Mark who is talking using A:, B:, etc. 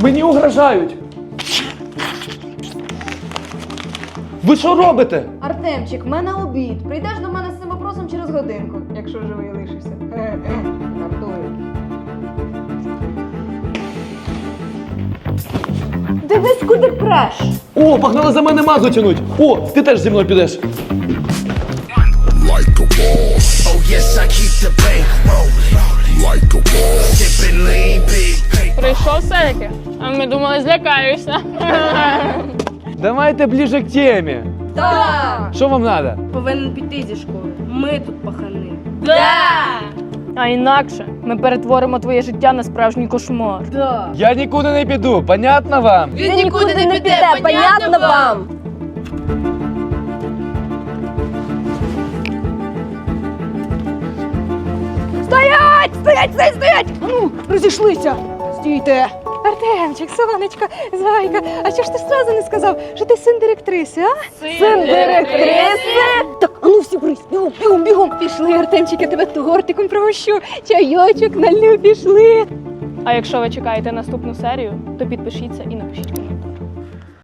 A: Мені угрожають! Ви що робите?
B: Артемчик, в мене обід. Прийдеш до мене з цим вопросом через годинку, якщо живий лишишся. Жартую. Дивись, куди преш.
A: О, погнали за мене мазу тянуть! О, ти теж зі мною підеш!
C: Like a boss. Oh yes, I keep the bank rolling. Like a boss. Sipping lean big.
D: Прийшов все-таки, а ми думали, злякаєшся.
A: Давайте ближе к темі.
B: Так!
A: Що вам треба?
E: Повинен піти зі школи. Ми тут пахани.
D: А інакше ми перетворимо твоє життя на справжній кошмар.
B: Так!
A: Я нікуди не піду, понятно вам?
B: Він нікуди не піде, понятно вам? Стоять! Стоять, стоять, стоять! А ну, розійшлися! Стійте! Артемчик, сонечко, зайка, а чого ж ти сразу не сказав, що ти син директриси, а? Син директриси? Так, а ну всі брись, бігом, бігом, бігом. Пішли, Артемчик, я тебе тортиком пригощу, чайочок налю, пішли.
D: А якщо ви чекаєте наступну серію, то підпишіться і напишіть коментар.